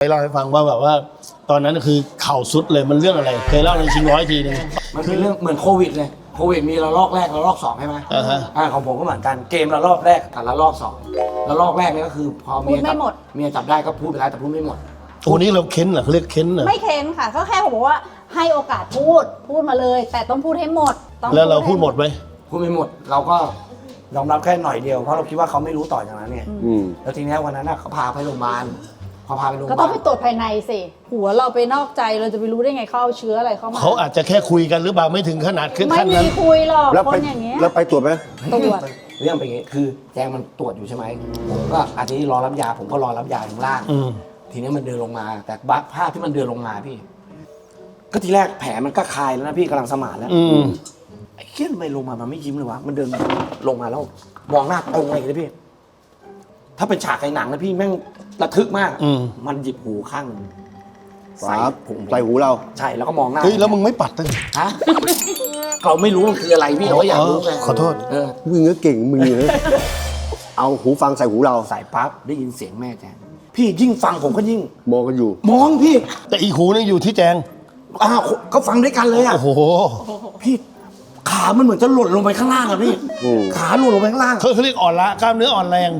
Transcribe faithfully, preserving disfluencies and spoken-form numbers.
เล่าให้ฟังว่าแบบว่า ตอนนั้นคือเข่าสุดเลยมันเรื่องอะไรเคยเล่าในชิงร้อยทีนึงมันเป็นเรื่องเหมือนโควิดเลยโควิดมีระลอกแรกระลอกสองใช่ไหมอ่าฮะอ่าของผมก็เหมือนกันเกมระลอกแรกกับระลอกสองระลอกแรกเนี่ยก็คือพอเมียจับเมียจับได้ก็พูดไปแล้วแต่พูดไม่หมดตัวนี้เราเค้นเหรอเขาเรียกเค้นเหรอไม่เค้นค่ะก็แค่ผมบอกว่าให้โอกาสพูดพูดมาเลย แต่ต้องพูดให้หมดต้องแล้วเราพูดหมดไหมพูดไม่หมดเราก็ยอมรับแค่หน่อยเดียวเพราะเราคิดว่าเขาไม่รู้ต่อจากนั้นเนี่ยอืมแล้วทีนี้วันนั้นน่ะเขาพาไปโรงพยาบาลพอพาไปโรงพก็ยาต้บาองลไปตรวจภายในสิหัวเราไปนอกใจเราจะไปรู้ได้ไงเขาเอาเชื้ออะไรเข้ามาเขาอาจจะแค่คุยกันหรือเปล่าไม่ถึงขนาดขึ้นไม่ขั้นมีนั้นคุยหรอกแล้วคไปนอย่างเงี้ยแล้วไปตรวจไหมตรวจเรื่องเป็นอย่างงี้คือแจงมันตรวจอยู่ใช่ไหมผมก็อาทิตย์รอรับยาผมก็รอรับยาถึงล่างอืมทีนี้มันเดินลงมา แต่บัภาพที่มันเดินลงมาพี่ ก็ทีแรกแผลมันก็คลายแล้วนะพี่กำลังสมานแล้วอืมไอ้เขี้ยทำไมลงมามันไม่ยิ้มเลยวะมันเดินลงมาแล้วมองหน้าตรงเลยพี่ ถ้าเป็นฉากในหนังนะพี่แม่งระทึกมากอืมมันหยิบหูข้างหนึ่งฝาใส่หูเราใช่แล้วก็มองหน้าเฮ้ยแล้วมึงไม่ปัดตั้งฮะเราไม่รู้มันคืออะไรพี่เราก็อยากรู้ไงขอโทษเออมึงก็เก่งมึงเลยเอาหูฟังใส่หูเราใส่ปั๊บได้ยินเสียงแม่แจงพี่ยิ่งฟังผมก็ยิ่งมองกันอยู่มองพี่แต่อีกหูนึงอยู่ที่แจงอ้าวเขาฟังด้วยกันเลยอ่ะโอ้โหพี่ขามันเหมือนจะหล่นลงไปข้างล่างอะพี่อืมขาหล่นลงไปข้างล่างเขาเขาเรียกอ่อนละกล้ามเนื้ออ่อนแรง